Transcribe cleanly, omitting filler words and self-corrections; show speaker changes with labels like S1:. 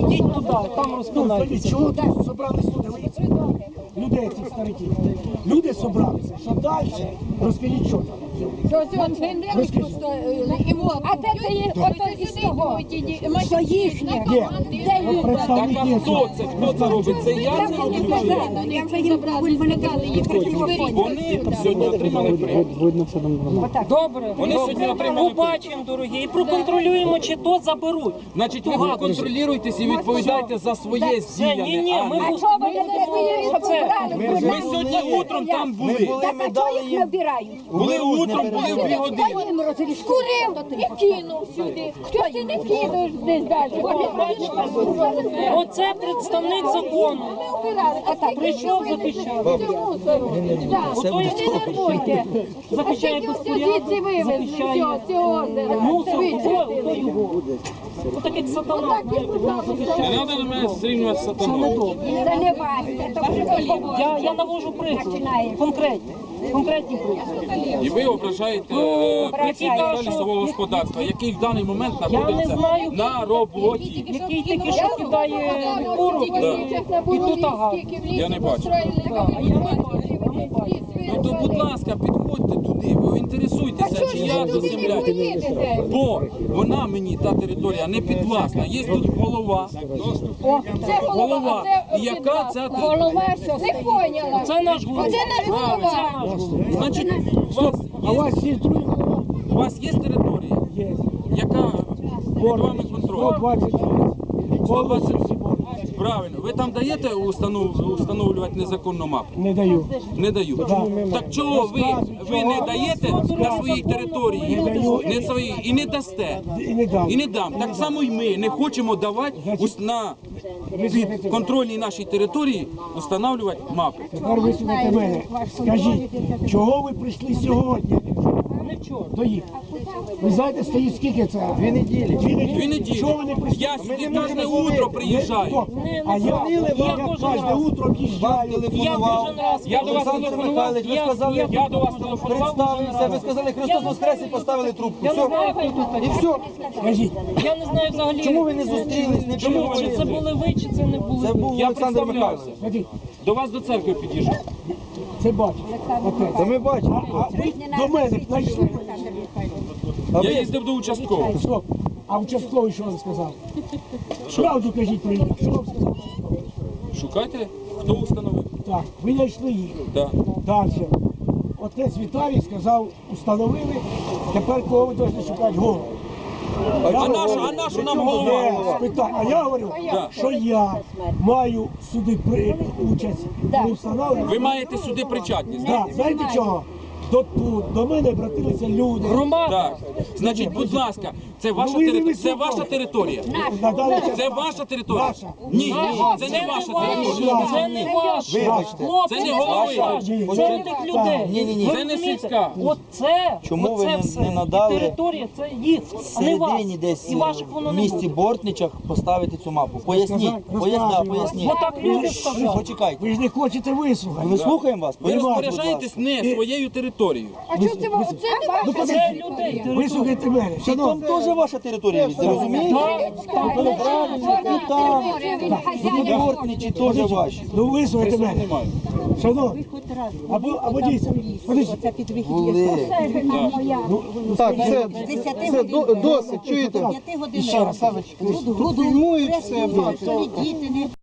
S1: Ідіть туди, там розпинайтеся.
S2: Чого тут собрались люди? Людей цих стариків. Люди собралися. Що далі? Розкажіть, що там.
S3: А де це є ото із того? Що їхнє? Де
S2: От представники.
S4: Хто це? Хто це робить? Це я це роблю?
S3: Я вже їм вони дали їх.
S4: Вони сьогодні отримали премію.
S1: Добре,
S4: Вони сьогодні отримали
S1: побачимо, дорогі, і проконтролюємо, чи то заберуть.
S4: Значить, ви контролюйтесь і відповідайте за своє
S1: Все, ні,
S4: здіяння.
S1: ми
S3: А що ви не вирішили, що брали?
S4: Ми сьогодні утром там були.
S3: Так, а чого їх не вбирають?
S4: Були утром, були в 2 години.
S3: Скурив і кинув сюди. Хтось ти не кинуєш десь далі.
S1: Оце представник закону. Прийшов захищати.
S3: Ото й не нервуйте.
S1: Захищає безпорядок, захищає мусор, ото його. Отакий сатана, знаєте, він захищає.
S4: Не треба на мене зрівнювати з сатаною.
S3: Це не бачите.
S1: Я навожу приклад, конкретні приклади.
S4: І ви ображаєте працівника лісового господарства, який в даний момент знаходиться
S1: знаю.
S4: на роботі.
S1: Який тільки що кидає куру, і тут ага.
S4: Я не бачу.
S1: А я не бачу.
S4: Ну то, будь ласка, підходьте туди, ви інтересуйтеся, чия це земля. Бо вона мені, та територія, не підвласна. Є тут голова. Голова. І яка ця територія?
S3: Голова що? Не поняла.
S1: Це наш голова.
S3: Це наш голова.
S4: Значить,
S2: А у вас є другий голова?
S4: у вас є територія,
S2: Є.
S4: яка під вами контроль?
S2: 120.
S4: 120. Правильно. Ви там даєте встановлювати незаконну мапу?
S2: Не даю.
S4: Не даю. Так чого ви не даєте на своїй території не своїй, і не дасте?
S2: І не дам.
S4: І не дам. Так само і ми не хочемо давати на підконтрольній нашій території встановлювати мапи.
S2: Тепер вислухайте мене. Скажіть, чого ви прийшли сьогодні? До їх. Ви знаєте, стоїть скільки це? 2 неділі.
S4: 2 неділі.
S2: Чого ви не прийшли?
S4: Я сюди кожне утро приїжджаю.
S2: А я кожне утро в'їжджаю.
S1: Я кожен раз.
S4: Я до вас телефонував. Я до вас телефонував.
S5: Представився, ви сказали Христос Воскрес і поставили трубку.
S1: Я не
S5: Все.
S1: знаю, хто тут
S5: І
S1: такий.
S5: все.
S2: Скажіть,
S1: Я не знаю взагалі.
S5: Чому ви не зустрілись, не
S1: Чи це
S5: поговорили?
S1: були ви, чи це не були
S5: Це
S1: ви?
S5: був
S4: Я
S5: Олександр
S4: представлявся.
S5: Михайлович.
S2: скажіть,
S4: До вас до церкви під'їжджав.
S2: це бачите.
S5: Та ми бачимо.
S2: А ви до мене знайшли.
S4: Я їздив до участкового.
S2: Стоп. А участковий що вам сказав? Правду кажіть про них. Що вам сказав?
S4: Шукайте, хто встановив.
S2: Так, ви знайшли їх.
S4: Так.
S2: Далі. Отець Віталій сказав, установили, тепер кого ви повинні шукати голову.
S4: А нашу нам голова?
S2: А я говорю, що я маю сюди участь, коли встановлюю.
S4: Ви маєте сюди причетність.
S2: Так, знаєте чого? До мене обратилися люди.
S1: Громада.
S4: Так. Значить, будь ласка, це ваша
S2: ви не
S4: територія. Це
S2: вислухали.
S4: ваша територія.
S2: Надали
S4: Це ваша територія.
S2: Наша.
S4: Ні, це не ваша територія.
S1: Це не ваше.
S5: Вибачте.
S1: Хлопці,
S4: Це не голови.
S1: Це не тих людей.
S5: Ні.
S1: Ви
S4: Це не
S1: розумієте?
S4: сільська.
S1: Оце,
S5: Чому ви
S1: оце
S5: не
S1: все.
S5: надали
S1: І територія, це їх, а не вас.
S5: Всередині десь
S1: І ваших воно
S5: в
S1: не
S5: місті
S1: буде.
S5: Бортничах поставити цю мапу. Поясніть, поясніть.
S1: Бо так люди сказали.
S5: Почекайте.
S2: Ви ж не хочете вислухати.
S5: Ми слухаємо вас.
S4: Ви
S5: Поясніть, будь
S4: розпоряджаєтесь
S5: ласка.
S4: не своєю територією.
S3: А чого це ви?
S2: Ну,
S1: Це
S2: подивіться.
S1: людей.
S2: Вислухайте мене.
S5: Там
S2: Шановні,
S5: теж ваша територія, ви розумієте?
S3: Правильно,
S5: І там, і Бортничі теж ваші.
S2: ну вислухайте мене.
S4: Немає.
S2: Шановні, або дійсно, подивіться.
S5: Були.
S6: Так, все досить, чуєте?
S2: Ще раз.
S6: Фільмують все.